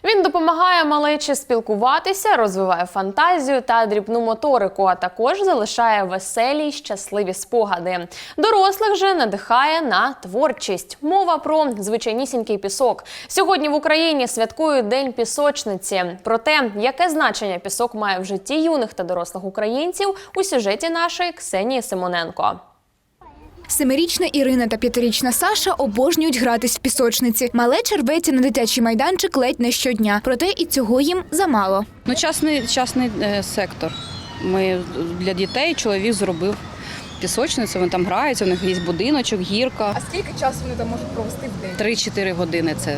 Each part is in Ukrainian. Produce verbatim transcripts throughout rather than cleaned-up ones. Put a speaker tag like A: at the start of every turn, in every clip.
A: Він допомагає малечі спілкуватися, розвиває фантазію та дрібну моторику, а також залишає веселі й щасливі спогади. Дорослих же надихає на творчість. Мова про звичайнісінький пісок. Сьогодні в Україні святкують День пісочниці. Про те, яке значення пісок має в житті юних та дорослих українців, у сюжеті нашої Ксенії Симоненко.
B: Семирічна Ірина та п'ятирічна Саша обожнюють гратись в пісочниці. Малеча рветься на дитячий майданчик ледь не щодня. Проте і цього їм замало.
C: Ну, частний, частний е, сектор. Ми для дітей чоловік зробив пісочницю, вони там граються, у них є будиночок, гірка.
D: А скільки часу вони там можуть провести в день?
C: три-чотири години це,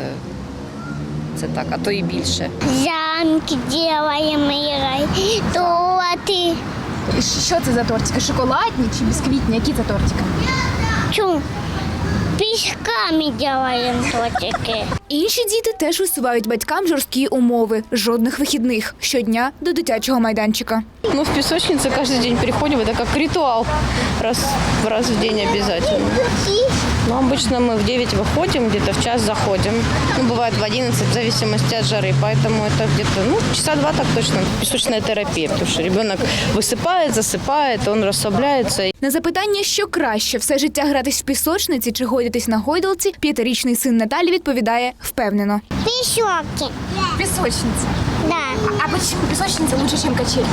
C: це так, а то і більше.
E: Замки робимо, Ірай, торти.
D: Що це за тортики? Шоколадні чи бісквітні? Які це тортики?
E: Чу, пісками робимо тортики.
B: Інші діти теж висувають батькам жорсткі умови. Жодних вихідних. Щодня до дитячого майданчика.
F: Ну, в песочницу каждый день приходим, это как ритуал, раз, раз в день обязательно. Ну, обычно мы в девять выходим, где-то в час заходим. Ну, бывает в одиннадцать, в зависимости от жары, поэтому это где-то, ну, часа два так точно. Песочная терапия, потому что ребенок высыпает, засыпает, он расслабляется.
B: На запитання, що краще – все життя гратись в пісочниці чи гойдатись на гойдалці, п'ятирічний син Наталі відповідає впевнено.
E: Пішоки.
D: Пісочниця.
E: Да.
D: А почему пісочниця лучше, ніж качелька?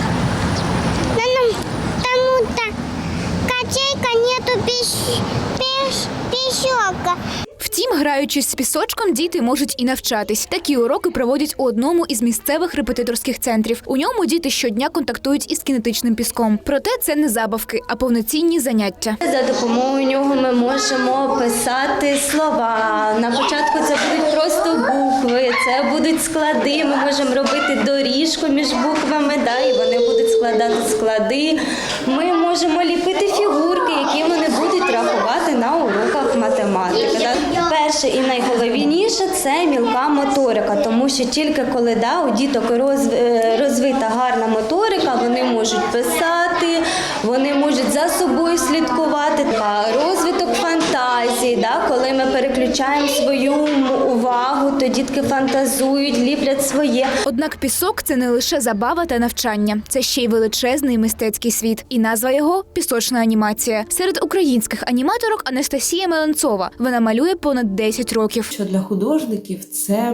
E: Ну, тому-то качелька нету піш, піш, пішока.
B: Втім, граючись з пісочком, діти можуть і навчатись. Такі уроки проводять у одному із місцевих репетиторських центрів. У ньому діти щодня контактують із кінетичним піском. Проте це не забавки, а повноцінні заняття.
G: За допомогою нього ми можемо писати слова. На початку це будуть просто букви, це будуть склади. Ми можемо робити доріжку між буквами, да, і вони будуть складати склади. Ми можемо ліпити фігурки, які вони будуть рахувати на уроках математики. Да. Перше і найголовніше – це мілка моторика, тому що тільки коли да, у діток розвита гарна моторика, вони можуть писати, вони можуть за собою слідкувати. Розвиток фантазії, да, коли ми переключаємо свою увагу, то дітки фантазують, ліплять своє.
B: Однак пісок – це не лише забава та навчання. Це ще й величезний мистецький світ. І назва його – пісочна анімація. Серед українських аніматорок Анастасія Меленцова. Вона малює понад десять років.
H: Що для художників це е,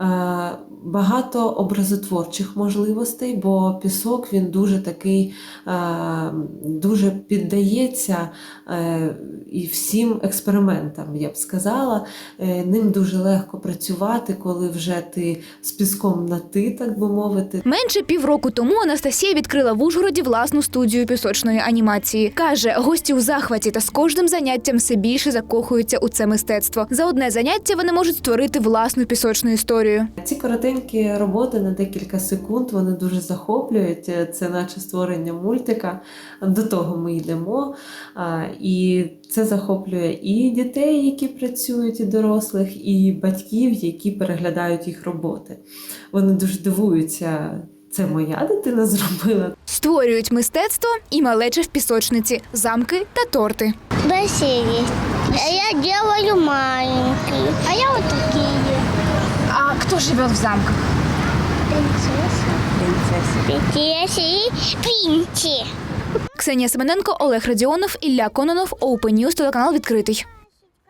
H: багато образотворчих можливостей, бо пісок він дуже такий, е, дуже піддається е, і всім експериментам, я б сказала. Е, ним дуже легко працювати, коли вже ти з піском на ти, так би мовити.
B: Менше півроку тому Анастасія відкрила в Ужгороді власну студію пісочної анімації. Каже, гості у захваті та з кожним заняттям все більше закохуються у це мистецтво. За одне заняття вони можуть створити власну пісочну історію.
H: Ці коротенькі роботи на декілька секунд, вони дуже захоплюють. Це наче створення мультика. До того ми йдемо. І це захоплює і дітей, які працюють, і дорослих, і батьків, які переглядають їх роботи. Вони дуже дивуються. Це моя дитина зробила.
B: Створюють мистецтво і малеча в пісочниці, замки та торти.
E: Бассейн. Я делаю маленький. А я вот такие.
D: А хто живе в замках?
E: Принцесса. Принцесса. и Пинти.
B: Ксенія Семененко, Олег Радіонов, Ілля Кононов, Open News, телеканал «Відкритий».